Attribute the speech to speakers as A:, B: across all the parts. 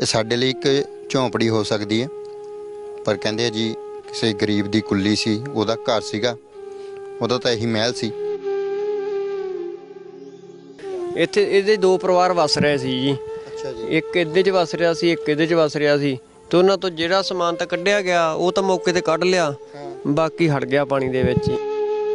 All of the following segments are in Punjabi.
A: ਇਹ ਸਾਡੇ ਲਈ ਇੱਕ ਝੌਂਪੜੀ ਹੋ ਸਕਦੀ ਹੈ, ਪਰ ਕਹਿੰਦੇ ਆ ਜੀ ਕਿਸੇ ਗਰੀਬ ਦੀ ਕੁੱਲੀ ਸੀ, ਉਹਦਾ ਘਰ ਸੀਗਾ, ਉਹਦਾ ਤਾਂ ਇਹੀ ਮਹਿਲ ਸੀ।
B: ਇੱਥੇ ਇਹਦੇ ਦੋ ਪਰਿਵਾਰ ਵਸ ਰਹੇ ਸੀ ਜੀ।
A: ਅੱਛਾ ਜੀ।
B: ਇੱਕ ਇਹਦੇ 'ਚ ਵਸ ਰਿਹਾ ਸੀ, ਇੱਕ ਇਹਦੇ 'ਚ ਵਸ ਰਿਹਾ ਸੀ, ਤੇ ਉਹਨਾਂ ਤੋਂ ਜਿਹੜਾ ਸਮਾਨ ਤਾਂ ਕੱਢਿਆ ਗਿਆ ਉਹ ਤਾਂ ਮੌਕੇ ਤੇ ਕੱਢ ਲਿਆ, ਬਾਕੀ ਹਟ ਗਿਆ ਪਾਣੀ ਦੇ ਵਿੱਚ ਹੀ।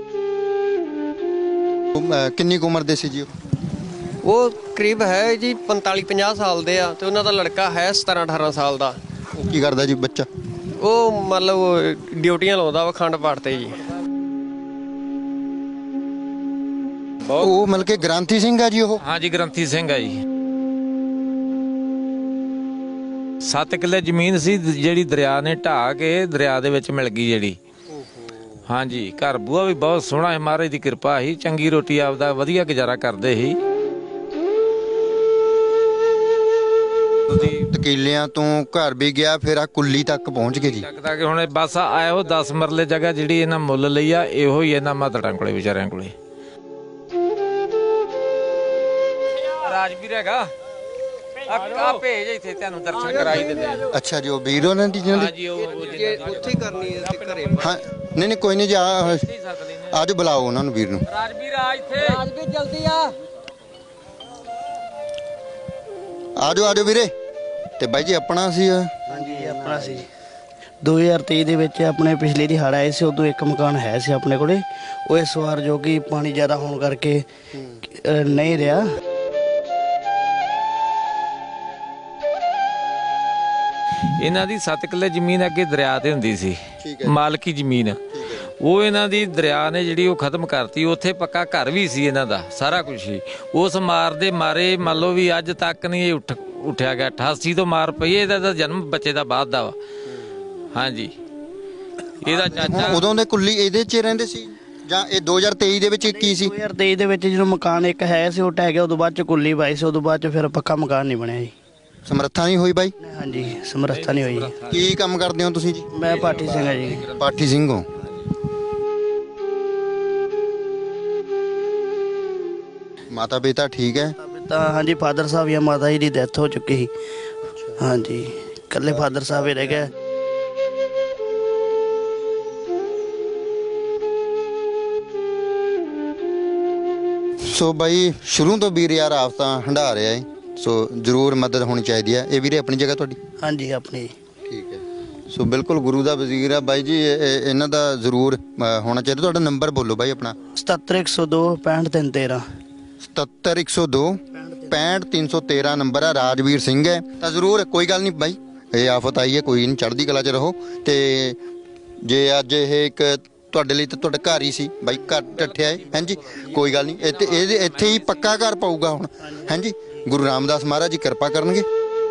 A: ਕਿੰਨੀ ਕੁ ਉਮਰ ਦੇ ਸੀ ਜੀ
B: ਉਹ ਕਰੀਬ ਹੈ ਜੀ 45-50 ਸਾਲ ਦੇ ਆ, ਤੇ ਉਹਨਾਂ ਦਾ ਲੜਕਾ ਹੈ 17-18 ਸਾਲ ਦਾ।
A: ਉਹ ਕੀ ਕਰਦਾ ਜੀ ਬੱਚਾ?
B: ਉਹ ਮਤਲਬ ਡਿਊਟੀਆਂ ਲਾਉਂਦਾ ਵਾ ਅਖੰਡ ਪਾਠ ਤੇ ਜੀ।
A: ਉਹ ਮਤਲਬ ਕਿ ਗ੍ਰੰਥੀ ਸਿੰਘ ਆ ਜੀ ਉਹ?
C: हाँ जी, ग्रंथी सिंह है जी। 7 ਕਿੱਲੇ ਜ਼ਮੀਨ ਸੀ ਜਿਹੜੀ ਦਰਿਆ ਨੇ ਢਾਹ ਕੇ ਦਰਿਆ ਦੇ ਵਿੱਚ ਮਿਲ ਗਈ ਜਿਹੜੀ। हाँ जी, घर बूआ भी बहुत सोहना है, महाराज की कृपा ही, चंगी रोटी आपदा वधिया गुजारा करते ही।
A: ਤਕੀਲਿਆਂ ਤੋਂ ਘਰ ਵੀ ਗਿਆ, ਫਿਰ ਆ ਕੁੱਲੀ ਤੱਕ ਪਹੁੰਚ ਗਏ ਜੀ।
C: ਲੱਗਦਾ ਕਿ ਹੁਣ ਬਸ ਆਇਓ 10 ਮਰਲੇ ਜਗ੍ਹਾ ਜਿਹੜੀ ਇਹਨਾਂ ਮੁੱਲ ਲਈ ਆ, ਇਹੋ ਹੀ ਇਹਨਾਂ ਮਾਤੜਾਂ ਕੋਲੇ ਵਿਚਾਰਿਆਂ ਕੋਲੇ। ਰਾਜਵੀਰ ਹੈਗਾ ਆ ਭੇਜ ਇੱਥੇ ਤੁਹਾਨੂੰ ਦਰਸ਼ਨ ਕਰਾਈ ਦਿੰਦੇ ਆ।
A: ਅੱਛਾ ਜੀ, ਉਹ ਵੀਰ ਉਹਨਾਂ ਦੀ ਜਿਹਨਾਂ
C: ਹਾਂ
A: ਦੀ
C: ਜੀ, ਉਹ
B: ਉੱਥੇ ਹੀ ਕਰਨੀ ਹੈ ਤੇ ਘਰੇ।
A: ਹਾਂ ਨਹੀਂ ਕੋਈ ਨਹੀਂ ਜੀ, ਅੱਜ ਬੁਲਾਓ ਉਹਨਾਂ ਨੂੰ, ਵੀਰ ਨੂੰ।
C: ਰਾਜਵੀਰ ਆ ਇੱਥੇ,
B: ਰਾਜਵੀਰ ਜਲਦੀ ਆ।
A: ਆਜੋ ਵੀਰੇ। ਤੇ ਬਾਈ ਜੀ ਆਪਣਾ ਸੀ?
D: ਹਾਂਜੀ ਆਪਣਾ ਸੀ। 2023 ਦੇ ਵਿੱਚ ਆਪਣੇ ਪਿਛਲੇ ਦੀ ਹੜ੍ਹ ਆਏ ਸੀ, ਉਦੋਂ ਇੱਕ ਮਕਾਨ ਹੈ ਸੀ ਆਪਣੇ ਕੋਲੇ। ਉਹ ਇਸ ਵਾਰ ਜੋ ਕਿ ਪਾਣੀ ਜ਼ਿਆਦਾ ਹੋਣ ਕਰਕੇ ਨਹੀਂ ਰਿਹਾ।
C: ਇਹਨਾਂ ਦੀ 7 ਕਿੱਲੇ ਜ਼ਮੀਨ ਅੱਗੇ ਦਰਿਆ ਤੇ ਹੁੰਦੀ ਸੀ, ਮਾਲਕੀ ਜ਼ਮੀਨ। ਉਹ ਇਹਨਾਂ ਦੀ ਦਰਿਆ ਨੇ ਜਿਹੜੀ ਉਹ ਖਤਮ ਕਰਤੀ। ਉੱਥੇ ਪੱਕਾ ਘਰ ਵੀ ਸੀ ਇਹਨਾਂ ਦਾ, ਸਾਰਾ ਕੁਝ ਸੀ। ਉਸ ਮਾਰ ਦੇ ਮਾਰੇ ਮੰਨ ਲਓ ਵੀ ਅੱਜ ਤੱਕ ਨਹੀਂ ਇਹ ਉੱਠਿਆ ਗਿਆ। 88 ਤੋਂ ਮਾਰ ਪਈ, ਇਹਦਾ ਤਾਂ ਜਨਮ ਬੱਚੇ ਦਾ ਬਾਅਦ ਦਾ ਵਾ। ਹਾਂਜੀ, ਇਹਦਾ ਚਾਚਾ
A: ਉਦੋਂ ਦੇ ਕੁੱਲੀ ਇਹਦੇ 'ਚ ਰਹਿੰਦੇ ਸੀ ਜਾਂ ਇਹ 2023 ਦੇ ਵਿੱਚ ਕੀ ਸੀ?
D: 2023 ਦੇ ਵਿੱਚ ਜਦੋਂ ਮਕਾਨ ਇੱਕ ਹੈ ਸੀ ਉਹ ਢਹਿ ਗਿਆ, ਉਦੋਂ ਬਾਅਦ ਚ ਕੁੱਲੀ ਪਾਈ ਸੀ, ਉਦੋਂ ਬਾਅਦ ਚ ਫਿਰ ਪੱਕਾ ਮਕਾਨ ਨਹੀਂ ਬਣਿਆ ਜੀ।
A: ਸਮਰੱਥਾ ਨਹੀਂ ਹੋਈ ਬਾਈ?
D: ਹਾਂਜੀ, ਸਮਰੱਥਾ ਨਹੀਂ ਹੋਈ।
A: ਕੀ ਕੰਮ ਕਰਦੇ ਹੋ ਤੁਸੀਂ ਜੀ?
D: ਮੈਂ ਪਾਠੀ ਸਿੰਘ ਹਾਂ ਜੀ।
A: ਪਾਠੀ ਸਿੰਘ ਹੋ। ਮਾਤਾ ਪਿਤਾ ਠੀਕ ਹੈ?
D: ਤਾਂ ਹਾਂਜੀ, ਫਾਦਰ ਸਾਹਿਬ ਜਾਂ ਮਾਤਾ ਜੀ ਦੀ ਡੈਥ ਹੋ ਚੁੱਕੀ ਸੀ। ਹਾਂਜੀ, ਇਕੱਲੇ ਫਾਦਰ ਸਾਹਿਬ ਹੀ ਰਹਿ ਗਏ।
A: ਸੋ ਬਾਈ ਸ਼ੁਰੂ ਤੋਂ ਵੀਰ ਯਾਰ ਆਫਤਾਂ ਹੰਢਾ ਰਿਹਾ ਹੈ, ਸੋ ਜ਼ਰੂਰ ਮਦਦ ਹੋਣੀ ਚਾਹੀਦੀ ਹੈ। ਇਹ ਵੀਰੇ ਆਪਣੀ ਜਗ੍ਹਾ ਤੁਹਾਡੀ?
D: ਹਾਂਜੀ ਆਪਣੀ।
A: ਠੀਕ ਹੈ। ਸੋ ਬਿਲਕੁਲ ਗੁਰੂ ਦਾ ਵਜ਼ੀਰ ਆ ਬਾਈ ਜੀ, ਇਹਨਾਂ ਦਾ ਜ਼ਰੂਰ ਹੋਣਾ ਚਾਹੀਦਾ। ਤੁਹਾਡਾ ਨੰਬਰ ਬੋਲੋ ਬਾਈ ਆਪਣਾ।
D: 77102 65313।
A: 77102 65313 ਨੰਬਰ ਆ। ਰਾਜਵੀਰ ਸਿੰਘ ਹੈ ਤਾਂ ਜ਼ਰੂਰ, ਕੋਈ ਗੱਲ ਨਹੀਂ ਬਾਈ, ਇਹ ਆਫਤ ਆਈ ਹੈ, ਕੋਈ ਨਹੀਂ, ਚੜ੍ਹਦੀ ਕਲਾ 'ਚ ਰਹੋ। ਤੇ ਜੇ ਅੱਜ ਇਹ ਇੱਕ ਤੁਹਾਡੇ ਲਈ ਤਾਂ ਤੁਹਾਡਾ ਘਰ ਹੀ ਸੀ ਬਾਈ, ਘਰ ਟੱਠਿਆ ਹੈ। ਹਾਂਜੀ ਕੋਈ ਗੱਲ ਨਹੀਂ, ਇੱਥੇ ਹੀ ਪੱਕਾ ਘਰ ਪਾਊਗਾ ਹੁਣ। ਹਾਂਜੀ, ਗੁਰੂ ਰਾਮਦਾਸ ਮਹਾਰਾਜ ਜੀ ਕਿਰਪਾ ਕਰਨਗੇ।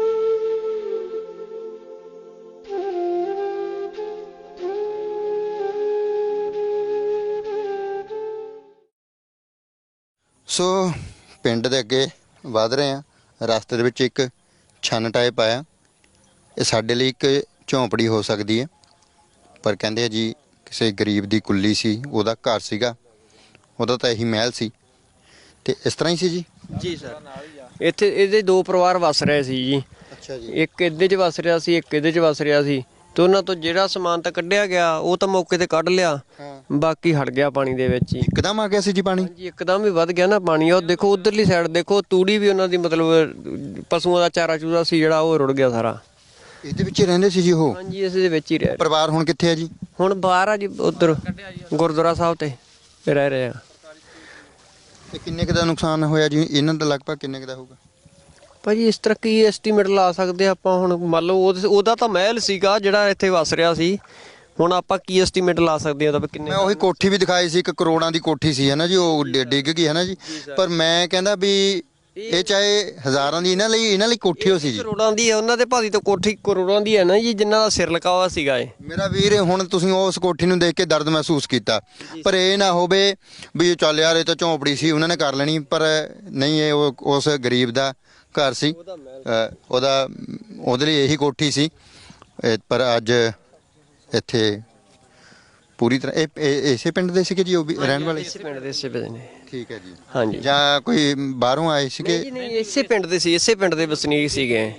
A: ਸੋ ਪਿੰਡ ਦੇ ਅੱਗੇ ਵਧ ਰਹੇ ਹਾਂ, ਰਸਤੇ ਦੇ ਵਿੱਚ ਇੱਕ ਛੰਨ ਟਾਈਪ ਆਇਆ। ਇਹ ਸਾਡੇ ਲਈ ਇੱਕ ਝੌਂਪੜੀ ਹੋ ਸਕਦੀ ਹੈ, ਪਰ ਕਹਿੰਦੇ ਆ ਜੀ ਕਿਸੇ ਗਰੀਬ ਦੀ ਕੁੱਲੀ ਸੀ, ਉਹਦਾ ਘਰ ਸੀਗਾ, ਉਹਦਾ ਤਾਂ ਇਹੀ ਮਹਿਲ ਸੀ। ਤੇ ਇਸ ਤਰ੍ਹਾਂ ਹੀ ਸੀ ਜੀ?
B: ਜੀ ਸਰ, ਇੱਥੇ ਇਹਦੇ ਦੋ ਪਰਿਵਾਰ ਵਸ ਰਹੇ ਸੀ ਜੀ।
A: ਅੱਛਾ ਜੀ।
B: ਇੱਕ ਇਹਦੇ 'ਚ ਵਸ ਰਿਹਾ ਸੀ, ਇੱਕ ਇਹਦੇ 'ਚ ਵਸ ਰਿਹਾ ਸੀ, ਤੇ ਉਹਨਾਂ ਤੋਂ ਜਿਹੜਾ ਸਮਾਨ ਤਾਂ ਕੱਢਿਆ ਗਿਆ ਉਹ ਤਾਂ ਮੌਕੇ ਤੇ ਕੱਢ ਲਿਆ, ਬਾਕੀ ਹਟ ਗਿਆ ਪਾਣੀ ਦੇ ਵਿੱਚ ਹੀ।
A: ਇੱਕਦਮ ਆ ਗਿਆ ਸੀ ਜੀ ਪਾਣੀ?
B: ਜੀ ਇੱਕਦਮ ਹੀ ਵੱਧ ਗਿਆ ਨਾ ਪਾਣੀ। ਉਹ ਦੇਖੋ ਉਧਰਲੀ ਸਾਈਡ ਦੇਖੋ, ਤੂੜੀ ਵੀ ਉਹਨਾਂ ਦੀ ਮਤਲਬ ਪਸ਼ੂਆਂ ਦਾ ਚਾਰਾ ਚੂਰਾ ਸੀ ਜਿਹੜਾ, ਉਹ ਰੁੜ ਗਿਆ ਸਾਰਾ।
A: ਇਹਦੇ ਵਿੱਚ ਹੀ ਰਹਿੰਦੇ ਸੀ ਜੀ ਉਹ?
B: ਹਾਂਜੀ, ਇਸ ਦੇ ਵਿੱਚ ਹੀ ਰਹਿ।
A: ਪਰਿਵਾਰ ਹੁਣ ਕਿੱਥੇ ਹੈ ਜੀ?
B: ਹੁਣ ਬਾਹਰ ਆ ਜੀ, ਉਧਰ ਗੁਰਦੁਆਰਾ ਸਾਹਿਬ ਤੇ ਰਹਿ ਰਹੇ ਆ।
A: ਤੇ ਕਿੰਨੇ ਕੁ ਦਾ ਨੁਕਸਾਨ ਹੋਇਆ ਜੀ ਇਹਨਾਂ ਦਾ? ਲਗਭਗ ਕਿੰਨੇ ਕੁ ਦਾ ਹੋਊਗਾ
B: ਭਾਜੀ ਇਸ ਤਰ੍ਹਾਂ ਕੀ ਐਸਟੀਮੇਟ ਲਾ ਸਕਦੇ ਆਪਾਂ ਹੁਣ? ਮੰਨ ਲਓ ਉਹਦਾ ਤਾਂ ਮਹਿਲ ਸੀਗਾ ਜਿਹੜਾ ਇੱਥੇ ਵਸ ਰਿਹਾ ਸੀ, ਹੁਣ ਆਪਾਂ ਕੀ ਐਸਟੀਮੇਟ ਲਾ ਸਕਦੇ ਹਾਂ ਉਹਦਾ ਕਿੰਨੇ?
A: ਮੈਂ ਉਹੀ ਕੋਠੀ ਵੀ ਦਿਖਾਈ ਸੀ, 1 ਕਰੋੜਾਂ ਦੀ ਕੋਠੀ ਸੀ ਹੈ ਨਾ ਜੀ, ਉਹ ਡਿੱਗ ਗਈ ਹੈ ਨਾ ਜੀ। ਪਰ ਮੈਂ ਕਹਿੰਦਾ ਵੀ ਇਹ ਚਾਹੇ ਹਜ਼ਾਰਾਂ ਦੀ, ਇਹਨਾਂ ਲਈ ਕੋਠੀ ਹੋ ਸੀ ਜੀ।
B: ਕਰੋੜਾਂ ਦੀ ਹੈ ਉਹਨਾਂ ਦੇ ਭਾਜੀ, ਤਾਂ ਕੋਠੀ ਕਰੋੜਾਂ ਦੀ ਹੈ ਨਾ ਜੀ, ਜਿਨ੍ਹਾਂ ਦਾ ਸਿਰ ਲਕਾਵਾ ਸੀਗਾ ਇਹ।
A: ਮੇਰਾ ਵੀਰ ਹੁਣ ਤੁਸੀਂ ਉਸ ਕੋਠੀ ਨੂੰ ਦੇਖ ਕੇ ਦਰਦ ਮਹਿਸੂਸ ਕੀਤਾ, ਪਰ ਇਹ ਨਾ ਹੋਵੇ ਵੀ ਚੱਲ ਯਾਰ ਇਹ ਤਾਂ ਝੌਂਪੜੀ ਸੀ ਉਹਨਾਂ ਨੇ ਕਰ ਲੈਣੀ, ਪਰ ਨਹੀਂ, ਇਹ ਉਸ ਗਰੀਬ ਦਾ ਘਰ ਸੀ, ਉਹਦੇ ਲਈ ਇਹੀ ਕੋਠੀ ਸੀ। ਪਰ ਅੱਜ ਇੱਥੇ ਪੂਰੀ ਤਰ੍ਹਾਂ ਇਸੇ ਪਿੰਡ ਦੇ ਸੀਗੇ ਜੀ ਉਹ ਵੀ ਰਹਿਣ ਵਾਲੇ?
B: ਇਸੇ ਪਿੰਡ ਦੇ, ਇਸੇ ਪਿੰਡ ਦੇ।
A: ਠੀਕ ਹੈ ਜੀ।
B: ਹਾਂਜੀ।
A: ਜਾਂ ਕੋਈ ਬਾਹਰੋਂ ਆਏ ਸੀਗੇ?
B: ਨਹੀਂ, ਇਸੇ ਪਿੰਡ ਦੇ ਸੀ, ਇਸੇ ਪਿੰਡ ਦੇ ਵਸਨੀਕ ਸੀਗੇ।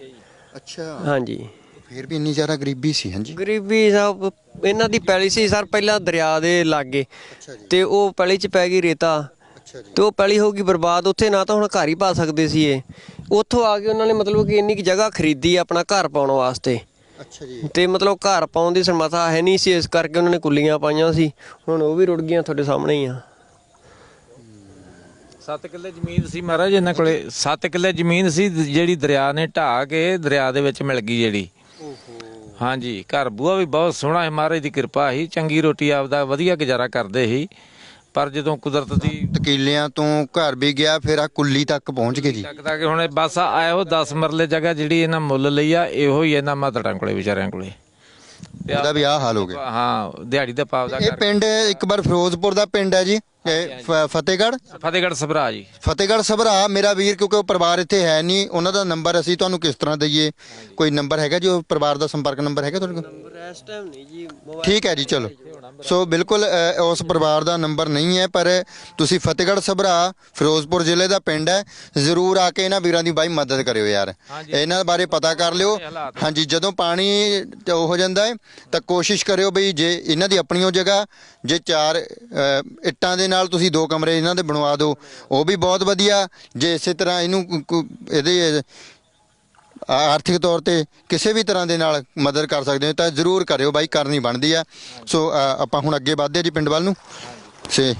A: ਅੱਛਾ
B: ਹਾਂਜੀ
A: ਫਿਰ ਵੀ ਇੰਨੀ ਜ਼ਿਆਦਾ ਗਰੀਬੀ ਸੀ। ਹਾਂਜੀ
B: ਗਰੀਬੀ ਸਭ ਇਹਨਾਂ ਦੀ ਪੈਲੀ ਸੀ ਸਰ ਪਹਿਲਾਂ ਦਰਿਆ ਦੇ ਲਾਗੇ,
A: ਅੱਛਾ ਜੀ
B: ਤੇ ਉਹ ਪੈਲੀ 'ਚ ਪੈ ਗਈ ਰੇਤਾ,
A: ਅੱਛਾ ਜੀ
B: ਤੇ ਉਹ ਪੈਲੀ ਹੋ ਗਈ ਬਰਬਾਦ। ਉੱਥੇ ਨਾ ਤਾਂ ਹੁਣ ਘਰ ਹੀ ਪਾ ਸਕਦੇ ਸੀ ਇਹ, ਉੱਥੋਂ ਆ ਕੇ ਉਹਨਾਂ ਨੇ ਮਤਲਬ ਕਿ ਇੰਨੀ ਕੁ ਜਗ੍ਹਾ ਖਰੀਦੀ ਆਪਣਾ ਘਰ ਪਾਉਣ ਵਾਸਤੇ,
A: ਅੱਛਾ ਜੀ
B: ਤੇ ਮਤਲਬ ਘਰ ਪਾਉਣ ਦੀ ਸਮਰੱਥਾ ਹੈ ਨਹੀਂ ਸੀ, ਇਸ ਕਰਕੇ ਉਹਨਾਂ ਨੇ ਕੁੱਲੀਆਂ ਪਾਈਆਂ ਸੀ। ਹੁਣ ਉਹ ਵੀ ਰੁੜ ਗਈਆਂ, ਤੁਹਾਡੇ ਸਾਹਮਣੇ ਹੀ ਆ।
C: 7 ਕਿੱਲੇ ਜ਼ਮੀਨ ਸੀ ਮਹਾਰਾਜ ਇਹਨਾਂ ਕੋਲੇ, 7 ਕਿੱਲੇ ਜ਼ਮੀਨ ਸੀ ਜਿਹੜੀ ਦਰਿਆ ਨੇ ਢਾਹ ਕੇ ਦਰਿਆ ਦੇ ਵਿੱਚ ਮਿਲ ਗਈ ਜਿਹੜੀ।
A: ਓਹੋ
C: ਹਾਂਜੀ ਘਰ ਬੂਆ ਵੀ ਬਹੁਤ ਸੋਹਣਾ ਹੈ, ਮਹਾਰਾਜ ਦੀ ਕਿਰਪਾ ਸੀ, ਚੰਗੀ ਰੋਟੀ ਆਪਦਾ ਵਧੀਆ ਗੁਜ਼ਾਰਾ ਕਰਦੇ ਸੀ। ਪਰ ਜਦੋਂ ਕੁਦਰਤ ਦੀ
A: ਕਿੱਲਿਆਂ ਤੋਂ ਘਰ ਵੀ ਗਿਆ, ਫਿਰ ਆ ਕੁੱਲੀ ਤੱਕ ਪਹੁੰਚ ਗਏ ਜੀ।
C: ਲੱਗਦਾ ਕਿ ਹੁਣ ਬਸ ਆਇਓ 10 ਮਰਲੇ ਜਗ੍ਹਾ ਜਿਹੜੀ ਇਹਨਾਂ ਮੁੱਲ ਲਈ ਆ, ਇਹੋ ਹੀ ਇਹਨਾਂ ਮਾਤੜਾਂ ਕੋਲੇ ਵਿਚਾਰਿਆਂ ਕੋਲੇ। ਤੇ
A: ਉਹਦਾ ਵੀ ਆਹ ਹਾਲ ਹੋ ਗਿਆ।
C: ਹਾਂ ਦਿਹਾੜੀ ਦਾ ਪਾਵ ਦਾ
A: ਇਹ ਪਿੰਡ ਇੱਕ ਵਾਰ ਫਿਰੋਜ਼ਪੁਰ ਦਾ ਪਿੰਡ ਹੈ ਜੀ, ਫਤਿਹਗੜ੍ਹ
C: ਫਤਿਹਗੜ੍ਹ ਸਭਰਾ ਜੀ।
A: ਫਤਿਹਗੜ੍ਹ ਸਭਰਾ ਮੇਰਾ ਵੀਰ, ਕਿਉਂਕਿ ਉਹ ਪਰਿਵਾਰ ਇੱਥੇ ਹੈ ਨਹੀਂ, ਉਹਨਾਂ ਦਾ ਨੰਬਰ ਅਸੀਂ ਤੁਹਾਨੂੰ ਕਿਸ ਤਰ੍ਹਾਂ ਦਈਏ? ਕੋਈ ਨੰਬਰ ਹੈਗਾ ਜੀ ਉਹ ਪਰਿਵਾਰ ਦਾ, ਸੰਪਰਕ ਨੰਬਰ ਹੈਗਾ ਤੁਹਾਡੇ ਕੋਲ?
B: ਨੰਬਰ ਇਸ ਟਾਈਮ ਨਹੀਂ ਜੀ,
A: ਠੀਕ ਹੈ ਜੀ ਚਲੋ। ਸੋ ਬਿਲਕੁਲ ਉਸ ਪਰਿਵਾਰ ਦਾ ਨੰਬਰ ਨਹੀਂ ਹੈ, ਪਰ ਤੁਸੀਂ ਫਤਿਹਗੜ੍ਹ ਸਭਰਾ ਫਿਰੋਜ਼ਪੁਰ ਜ਼ਿਲ੍ਹੇ ਦਾ ਪਿੰਡ ਹੈ, ਜ਼ਰੂਰ ਆ ਕੇ ਇਹਨਾਂ ਵੀਰਾਂ ਦੀ ਬਾਈ ਮਦਦ ਕਰਿਓ ਯਾਰ, ਇਹਨਾਂ ਬਾਰੇ ਪਤਾ ਕਰ ਲਿਓ। ਹਾਂਜੀ ਜਦੋਂ ਪਾਣੀ ਹੋ ਜਾਂਦਾ ਹੈ ਤਾਂ ਕੋਸ਼ਿਸ਼ ਕਰਿਓ ਬਈ, ਜੇ ਇਹਨਾਂ ਦੀ ਆਪਣੀ ਉਹ ਜਗ੍ਹਾ, ਜੇ 4 ਇੱਟਾਂ ਦੇ ਨਾਲ ਤੁਸੀਂ 2 ਕਮਰੇ ਇਹਨਾਂ ਦੇ ਬਣਵਾ ਦਿਓ, ਉਹ ਵੀ ਬਹੁਤ ਵਧੀਆ। ਜੇ ਇਸੇ ਤਰ੍ਹਾਂ ਇਹਨੂੰ ਇਹਦੇ ਆਰਥਿਕ ਤੌਰ ਤੇ ਕਿਸੇ ਵੀ ਤਰ੍ਹਾਂ ਦੇ ਨਾਲ ਮਦਦ ਕਰ ਸਕਦੇ ਹੋ ਤਾਂ ਜ਼ਰੂਰ ਕਰਿਓ ਬਾਈ, ਕਰਨੀ ਬਣਦੀ ਆ। ਸੋ ਆਪਾਂ ਹੁਣ ਅੱਗੇ ਵਧਦੇ ਜੀ ਪਿੰਡ ਵੱਲ ਨੂੰ। ਸੇ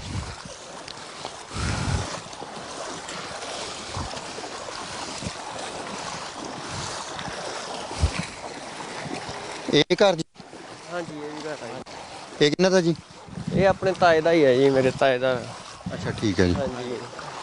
A: ਇਹ ਘਰ ਜੀ?
B: ਹਾਂਜੀ ਇਹ ਵੀ ਘਰ ਆ
A: ਇਹ ਕਿਹਨਾਂ ਦਾ ਜੀ?
B: ਜੀ, ਇਹ ਆਪਣੇ ਤਾਏ ਦਾ ਹੀ ਹੈ ਜੀ, ਮੇਰੇ ਤਾਏ ਦਾ।
A: ਅੱਛਾ ਠੀਕ ਹੈ ਜੀ।
B: ਹਾਂਜੀ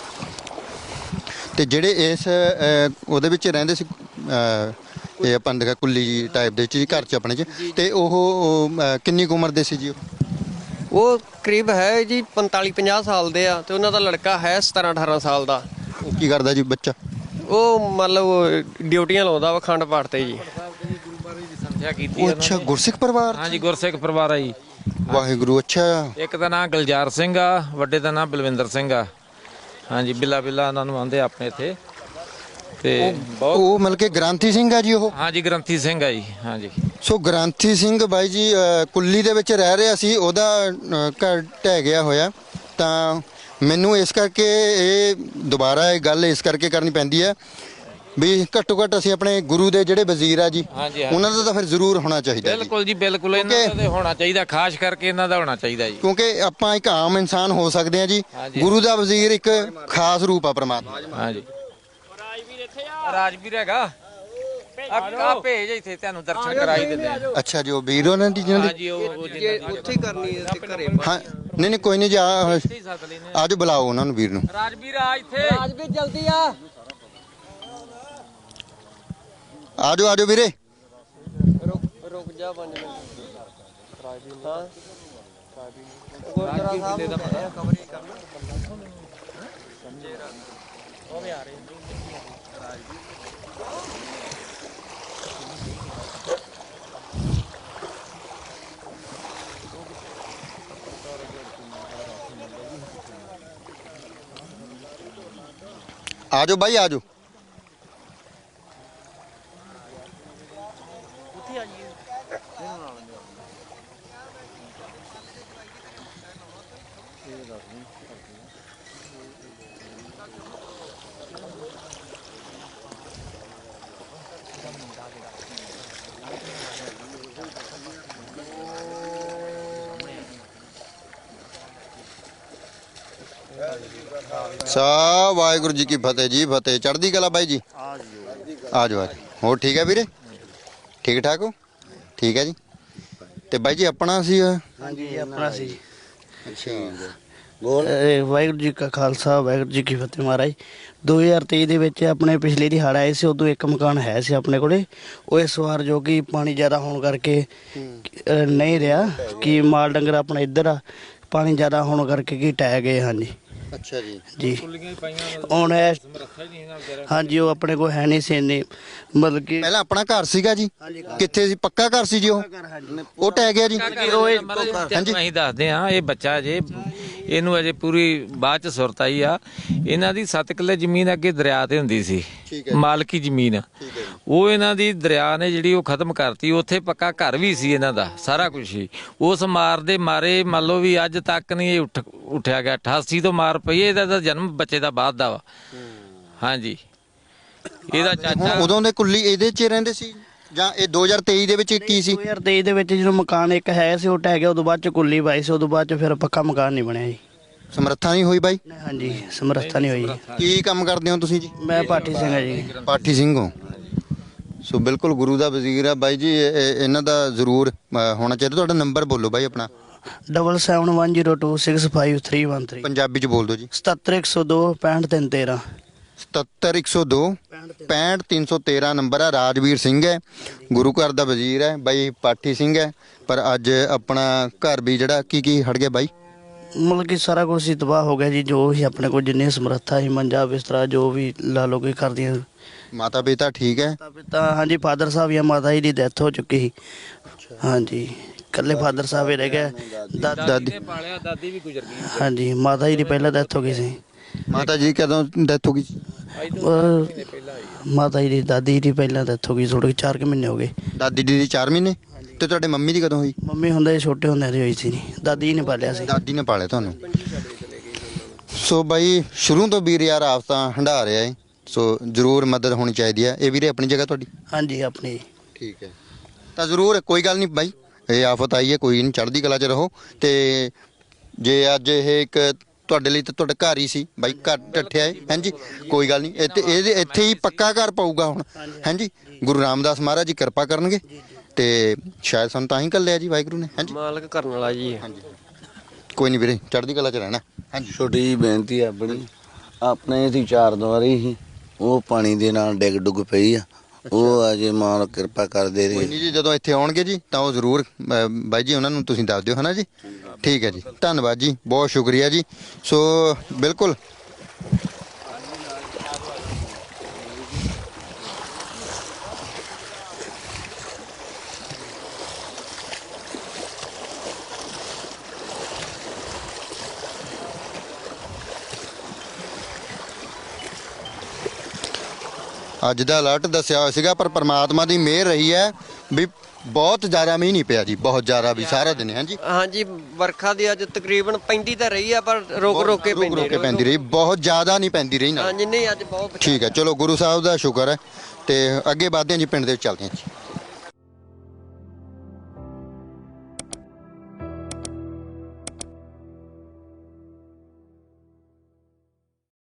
A: ਤੇ ਜਿਹੜੇ ਇਸ ਉਹਦੇ ਵਿੱਚ ਰਹਿੰਦੇ ਸੀ, ਇਹ ਆਪਾਂ ਨੇ ਦੇਖਿਆ ਕੁੱਲੀ ਟਾਈਪ ਦੇ ਚ ਘਰ ਚ ਆਪਣੇ ਚ, ਤੇ ਉਹ ਕਿੰਨੀ ਕੁ ਉਮਰ ਦੇ ਸੀ ਜੀ?
B: ਉਹ ਕਰੀਬ ਹੈ ਜੀ 45-50 ਸਾਲ ਦੇ ਆ, ਤੇ ਉਹਨਾਂ ਦਾ ਲੜਕਾ ਹੈ 17-18 ਸਾਲ ਦਾ।
A: ਉਹ ਕੀ ਕਰਦਾ ਜੀ ਬੱਚਾ?
B: ਉਹ ਮਤਲਬ ਡਿਊਟੀਆਂ ਲਾਉਂਦਾ ਵਾ ਅਖੰਡ ਪਾਠ ਤੇ ਜੀ।
C: ਸੰਥਿਆ ਕੀਤੀ
A: ਉਹ ਅੱਛਾ ਗੁਰਸਿੱਖ ਪਰਿਵਾਰ?
C: ਹਾਂਜੀ ਗੁਰਸਿੱਖ ਪਰਿਵਾਰ ਆ ਜੀ।
A: ਵਾਹਿਗੁਰੂ। ਅੱਛਾ
C: ਇੱਕ ਦਾ ਨਾਂ ਗੁਲਜ਼ਾਰ ਸਿੰਘ ਆ, ਵੱਡੇ ਦਾ ਨਾਂ ਬਲਵਿੰਦਰ ਸਿੰਘ ਆ। ਹਾਂਜੀ ਬਿੱਲਾ ਬਿੱਲਾ ਉਹਨਾਂ ਨੂੰ ਆਉਂਦੇ ਆਪਣੇ ਇੱਥੇ। ਤੇ ਬਹੁਤ
A: ਉਹ ਮਤਲਬ ਕਿ ਗ੍ਰਾਂਥੀ ਸਿੰਘ ਆ ਜੀ ਉਹ?
C: ਹਾਂਜੀ ਗ੍ਰੰਥੀ ਸਿੰਘ ਆ ਜੀ। ਹਾਂਜੀ
A: ਸੋ ਗ੍ਰਾਂਥੀ ਸਿੰਘ ਬਾਈ ਜੀ ਕੁੱਲੀ ਦੇ ਵਿੱਚ ਰਹਿ ਰਿਹਾ ਸੀ, ਉਹਦਾ ਘਰ ਢਹਿ ਗਿਆ ਹੋਇਆ। ਤਾਂ ਮੈਨੂੰ ਇਸ ਕਰਕੇ ਇਹ ਦੁਬਾਰਾ ਇਹ ਗੱਲ ਇਸ ਕਰਕੇ ਕਰਨੀ ਪੈਂਦੀ ਹੈ ਵੀ ਘੱਟੋ ਘੱਟ ਅਸੀਂ ਆਪਣੇ ਗੁਰੂ ਦੇ ਜਿਹੜੇ ਵਜ਼ੀਰ ਆ ਜੀ, ਉਹਨਾਂ ਦਾ ਤਾਂ ਫਿਰ ਜ਼ਰੂਰ ਹੋਣਾ ਚਾਹੀਦਾ।
C: ਬਿਲਕੁਲ ਜੀ ਬਿਲਕੁਲ, ਇਹਨਾਂ ਦਾ ਤੇ ਹੋਣਾ ਚਾਹੀਦਾ, ਖਾਸ ਕਰਕੇ ਇਹਨਾਂ ਦਾ ਹੋਣਾ ਚਾਹੀਦਾ ਜੀ।
A: ਕਿਉਂਕਿ ਆਪਾਂ ਇੱਕ ਆਮ ਇਨਸਾਨ ਹੋ ਸਕਦੇ ਹਾਂ ਜੀ, ਗੁਰੂ ਦਾ ਵਜ਼ੀਰ ਇੱਕ ਖਾਸ ਰੂਪ ਆ ਪਰਮਾਤਮਾ।
C: ਹਾਂਜੀ ਰਾਜਵੀਰ ਹੈਗਾ, ਆ ਭੇਜ ਇੱਥੇ ਤੁਹਾਨੂੰ ਦਰਸ਼ਨ ਕਰਾਈ ਦਿੰਦੇ ਆ।
A: ਅੱਛਾ ਜੀ ਉਹ ਵੀਰ ਉਹਨਾਂ ਦੀ ਜਿਹਨਾਂ ਦੀ?
C: ਹਾਂਜੀ ਉਹ
B: ਉੱਥੇ ਹੀ ਕਰਨੀ ਹੈ ਤੇ ਘਰੇ।
A: ਹਾਂ ਨਹੀਂ ਨਹੀਂ ਕੋਈ ਨਹੀਂ ਜੀ, ਆਜੋ ਬੁਲਾਓ ਉਹਨਾਂ ਨੂੰ ਵੀਰ ਨੂੰ।
C: ਰਾਜਵੀਰ ਆ ਇੱਥੇ,
B: ਰਾਜਵੀਰ ਜਲਦੀ ਆ।
A: ਆਜੋ ਆਜੋ ਵੀਰੇ।
B: ਰੁਕ ਜਾ 5 ਮਿੰਟ। ਹਾਂ ਗੁਰਦੁਆਰਾ ਸਾਹਿਬ ਦਾ ਕਵਰ ਹੀ ਕਰਨਾ। ਉਹ ਵੀ ਆ ਰਹੇ
A: ਆਜੋ ਬਾਈ ਆਜੋ। ਸਾ ਵਾਹਿਗੁਰੂ ਜੀ ਕੀ ਫਤਿਹ ਜੀ, ਫਤਿਹ ਚੜ੍ਹਦੀ ਕਲਾ ਬਾਈ ਜੀ। ਆਜੋ ਆਜੋ। ਹੋਰ ਠੀਕ ਹੈ ਵੀਰੇ? ਠੀਕ ਠਾਕ ਹੋ? ਠੀਕ ਹੈ ਜੀ। ਤੇ ਬਾਈ ਜੀ ਆਪਣਾ ਸੀ?
D: ਹਾਂਜੀ ਆਪਣਾ ਸੀ।
A: ਅੱਛਾ
D: ਵਾਹਿਗੁਰੂ ਜੀ ਕਾ ਖਾਲਸਾ ਵਾਹਿਗੁਰੂ ਜੀ ਕੀ ਫਤਿਹ। ਮਹਾਰਾਜ 2023 ਦੇ ਵਿੱਚ ਆਪਣੇ ਪਿਛਲੇ ਦੀ ਹੜ੍ਹ ਆਏ ਸੀ, ਉਦੋਂ ਇੱਕ ਮਕਾਨ ਹੈ ਸੀ ਆਪਣੇ ਕੋਲੇ। ਉਹ ਇਸ ਵਾਰ ਜੋ ਕਿ ਪਾਣੀ ਜ਼ਿਆਦਾ ਹੋਣ ਕਰਕੇ ਨਹੀਂ ਰਿਹਾ, ਕਿ ਮਾਲ ਡੰਗਰ ਆਪਣਾ ਇੱਧਰ ਆ, ਪਾਣੀ ਜ਼ਿਆਦਾ ਹੋਣ ਕਰਕੇ ਕੀ ਟਹਿ ਗਏ। ਹਾਂਜੀ
A: ਅੱਛਾ ਜੀ
D: ਜੀ ਹੁਣ ਹਾਂਜੀ ਉਹ ਆਪਣੇ ਕੋਲ ਹੈ ਨਹੀਂ ਸੀ ਇੰਨੀ, ਮਤਲਬ ਕਿ
A: ਪਹਿਲਾਂ ਆਪਣਾ ਘਰ ਸੀਗਾ ਜੀ? ਕਿੱਥੇ ਸੀ? ਪੱਕਾ ਘਰ ਸੀ ਜੀ ਉਹ ਢਹਿ ਗਿਆ ਜੀ?
C: ਹਾਂਜੀ ਅਸੀਂ ਦੱਸਦੇ ਆ, ਇਹ ਬੱਚਾ ਜੇ ਇਹਨੂੰ ਅਜੇ ਪੂਰੀ ਬਾਅਦ ਚ ਸੁਰਤ ਆਈ ਆ। ਇਹਨਾਂ ਦੀ 7 ਕਿੱਲੇ ਜ਼ਮੀਨ ਅੱਗੇ ਦਰਿਆ ਤੇ ਹੁੰਦੀ ਸੀ, ਮਾਲਕੀ ਜ਼ਮੀਨ। ਉਹ ਇਹਨਾਂ ਦੀ ਦਰਿਆ ਨੇ ਜਿਹੜੀ ਉਹ ਖਤਮ ਕਰਤੀ। ਉੱਥੇ ਪੱਕਾ ਘਰ ਵੀ ਸੀ ਇਹਨਾਂ ਦਾ, ਸਾਰਾ ਕੁਝ ਸੀ। ਉਸ ਮਾਰ ਦੇ ਮਾਰੇ ਮੰਨ ਲਓ ਵੀ ਅੱਜ ਤੱਕ ਨਹੀਂ ਇਹ ਉੱਠਿਆ ਗਿਆ। 88 ਤੋਂ ਮਾਰ ਪਈ। ਇਹਦਾ ਤਾਂ ਜਨਮ ਬੱਚੇ ਦਾ ਬਾਅਦ ਦਾ ਵਾ। ਹਾਂਜੀ, ਇਹਦਾ ਚਾਚਾ
A: ਉਦੋਂ ਦੇ ਕੁੱਲੀ ਇਹਦੇ 'ਚ ਰਹਿੰਦੇ ਸੀ ਜਾਂ ਇਹ 2023 ਦੇ ਵਿੱਚ ਕੀ ਸੀ?
D: 2023 ਦੇ ਵਿੱਚ ਜਦੋਂ ਮਕਾਨ ਇੱਕ ਹੈ ਸੀ ਉਹ ਢਹਿ ਗਿਆ। ਉਦੋਂ ਬਾਅਦ ਚ ਕੁੱਲੀ ਪਾਈ ਸੀ। ਉਦੋਂ ਬਾਅਦ ਚ ਫਿਰ ਪੱਕਾ ਮਕਾਨ ਨਹੀਂ ਬਣਿਆ ਜੀ।
A: ਸਮਰੱਥਾ ਨਹੀਂ ਹੋਈ ਬਾਈ?
D: ਹਾਂਜੀ, ਸਮਰੱਥਾ ਨਹੀਂ ਹੋਈ।
A: ਕੀ ਕੰਮ ਕਰਦੇ ਹੋ ਤੁਸੀਂ ਜੀ?
D: ਮੈਂ ਪਾਠੀ ਸਿੰਘ ਹਾਂ ਜੀ।
A: ਪਾਠੀ ਸਿੰਘ ਹੋ। ਸੋ ਬਿਲਕੁਲ ਗੁਰੂ ਦਾ ਵਜ਼ੀਰ ਆ ਬਾਈ ਜੀ। ਇਹਨਾਂ ਦਾ ਜ਼ਰੂਰ ਹੋਣਾ ਚਾਹੀਦਾ। ਤੁਹਾਡਾ ਨੰਬਰ ਬੋਲੋ ਬਾਈ ਆਪਣਾ।
D: 7710265313
A: ਪੰਜਾਬੀ 'ਚ ਬੋਲ ਦਿਓ ਜੀ।
D: 77102 65313
A: 77102 65313 ਨੰਬਰ ਆ। ਰਾਜਵੀਰ ਸਿੰਘ ਹੈ, ਗੁਰੂ ਘਰ ਦਾ ਵਜ਼ੀਰ ਹੈ ਬਾਈ, ਪਾਠੀ ਸਿੰਘ ਹੈ। ਪਰ ਅੱਜ ਆਪਣਾ ਘਰ ਵੀ ਜਿਹੜਾ ਕੀ ਹਟ ਗਿਆ ਬਾਈ?
D: ਮਤਲਬ ਕਿ ਸਾਰਾ ਕੁਝ ਹੀ ਤਬਾਹ ਹੋ ਗਿਆ ਜੀ। ਜੋ ਵੀ ਆਪਣੇ ਕੋਲ ਜਿੰਨੀ ਸਮਰੱਥਾ ਸੀ, ਮੰਜਾ ਬਿਸਤਰਾ ਜੋ ਵੀ ਲਾ ਲੋ ਕੇ ਕਰਦੀਆਂ।
A: ਮਾਤਾ ਪਿਤਾ ਠੀਕ ਹੈ?
D: ਪਿਤਾ ਹਾਂਜੀ, ਫਾਦਰ ਸਾਹਿਬ ਜਾਂ ਮਾਤਾ ਜੀ ਦੀ ਡੈਥ ਹੋ ਚੁੱਕੀ ਸੀ। ਹਾਂਜੀ, ਇਕੱਲੇ ਫਾਦਰ ਸਾਹਿਬ ਹੀ ਰਹਿ ਗਏ।
C: ਦਾਦੀ ਨੇ ਪਾਲਿਆ, ਦਾਦੀ ਵੀ ਗੁਜ਼ਰ ਗਈ।
D: ਹਾਂਜੀ, ਮਾਤਾ ਜੀ ਦੀ ਪਹਿਲਾਂ ਡੈਥ ਹੋ ਗਈ ਸੀ।
A: ਮਾਤਾ ਜੀ ਕਦੋਂ ਡੈਥ ਹੋ ਗਈ?
D: ਮਾਤਾ ਜੀ ਦੀ ਦਾਦੀ ਦੀ ਪਹਿਲਾਂ ਡੈਥ ਹੋ ਗਈ। ਥੋੜੇ 4 ਮਹੀਨੇ ਹੋ ਗਏ।
A: ਦਾਦੀ ਦੀ 4 ਮਹੀਨੇ? ਤੇ ਤੁਹਾਡੇ ਮੰਮੀ ਦੀ ਕਦੋਂ ਹੋਈ?
D: ਮੰਮੀ ਹੁੰਦੇ ਛੋਟੇ ਹੁੰਦਿਆਂ ਦੀ ਹੋਈ ਸੀ ਜੀ। ਦਾਦੀ ਨੇ ਪਾਲਿਆ ਸੀ।
A: ਦਾਦੀ ਨੇ ਪਾਲਿਆ ਤੁਹਾਨੂੰ। ਸੋ ਬਾਈ ਸ਼ੁਰੂ ਤੋਂ ਵੀਰ ਯਾਰ ਆਫਤਾਂ ਹੰਢਾ ਰਿਹਾ ਏ। ਸੋ ਜ਼ਰੂਰ ਮਦਦ ਹੋਣੀ ਚਾਹੀਦੀ ਹੈ। ਇਹ ਵੀਰੇ ਆਪਣੀ ਜਗ੍ਹਾ ਤੁਹਾਡੀ?
D: ਹਾਂਜੀ, ਆਪਣੀ।
A: ਠੀਕ ਹੈ, ਤਾਂ ਜ਼ਰੂਰ ਕੋਈ ਗੱਲ ਨਹੀਂ ਬਾਈ, ਇਹ ਆਫਤ ਆਈ ਹੈ, ਕੋਈ ਨਹੀਂ, ਚੜ੍ਹਦੀ ਕਲਾ 'ਚ ਰਹੋ। ਤੇ ਜੇ ਅੱਜ ਇਹ ਇੱਕ ਤੁਹਾਡੇ ਲਈ ਤਾਂ ਤੁਹਾਡਾ ਘਰ ਹੀ ਸੀ ਬਾਈ, ਘਰ ਢੱਠਿਆ ਹੈ। ਹਾਂਜੀ, ਕੋਈ ਗੱਲ ਨਹੀਂ। ਇੱਥੇ ਹੀ ਪੱਕਾ ਘਰ ਪਾਊਗਾ ਹੁਣ। ਹਾਂਜੀ, ਗੁਰੂ ਰਾਮਦਾਸ ਮਹਾਰਾਜ ਜੀ ਕਿਰਪਾ ਕਰਨਗੇ ਤੇ ਸ਼ਾਇਦ ਸਾਨੂੰ ਤਾਂ ਹੀ ਘੱਲਿਆ ਜੀ ਵਾਹਿਗੁਰੂ ਨੇ। ਹਾਂਜੀ,
B: ਮਾਲਕ ਕਰਨ ਵਾਲਾ ਜੀ।
A: ਹਾਂਜੀ, ਕੋਈ ਨਹੀਂ ਵੀਰੇ, ਚੜ੍ਹਦੀ ਕਲਾ 'ਚ ਰਹਿਣਾ। ਹਾਂਜੀ,
E: ਛੋਟੀ ਜਿਹੀ ਬੇਨਤੀ ਆ ਆਪਣੀ। ਆਪਣੇ ਦੀ 4 ਦੀਵਾਰੀ ਸੀ, ਉਹ ਪਾਣੀ ਦੇ ਨਾਲ ਡਿੱਗ ਡੁੱਗ ਪਈ ਆ। ਉਹ ਅਜੇ ਮਾਂ ਕਿਰਪਾ ਕਰਦੇ
A: ਕੋਈ
E: ਰਹੇ।
A: ਨਹੀਂ ਜੀ, ਜਦੋਂ ਇੱਥੇ ਆਉਣਗੇ ਜੀ ਤਾਂ ਉਹ ਜ਼ਰੂਰ ਬਾਈ ਜੀ ਉਹਨਾਂ ਨੂੰ ਤੁਸੀਂ ਦੱਸ ਦਿਓ, ਹੈ ਨਾ ਜੀ। ਠੀਕ ਹੈ ਜੀ, ਧੰਨਵਾਦ ਜੀ, ਬਹੁਤ ਸ਼ੁਕਰੀਆ ਜੀ। ਸੋ ਬਿਲਕੁਲ ਅੱਜ ਦਾ ਅਲਰਟ ਦੱਸਿਆ ਹੋਇਆ ਸੀਗਾ, ਪਰ ਪ੍ਰਮਾਤਮਾ ਦੀ ਮਿਹਰ ਰਹੀ ਹੈ ਵੀ ਬਹੁਤ ਜ਼ਿਆਦਾ ਮੀਂਹ ਨਹੀਂ ਪਿਆ ਜੀ, ਬਹੁਤ ਜ਼ਿਆਦਾ ਵੀ ਸਾਰਾ ਦਿਨ। ਹਾਂਜੀ
B: ਹਾਂਜੀ, ਵਰਖਾ ਦੀ ਅੱਜ ਤਕਰੀਬਨ ਪੈਂਦੀ ਤਾਂ ਰਹੀ ਆ, ਪਰ ਰੁਕ ਰੁਕ ਕੇ
A: ਪੈਂਦੀ ਰਹੀ, ਬਹੁਤ ਜ਼ਿਆਦਾ ਨਹੀਂ ਪੈਂਦੀ ਰਹੀ ਨਾ।
B: ਹਾਂਜੀ, ਨਹੀਂ ਅੱਜ ਬਹੁਤ
A: ਠੀਕ ਹੈ, ਚਲੋ ਗੁਰੂ ਸਾਹਿਬ ਦਾ ਸ਼ੁਕਰ ਹੈ। ਤੇ ਅੱਗੇ ਵਧਦੇ ਹਾਂ ਜੀ, ਪਿੰਡ ਦੇ ਵਿੱਚ ਚੱਲਦੇ ਹਾਂ ਜੀ।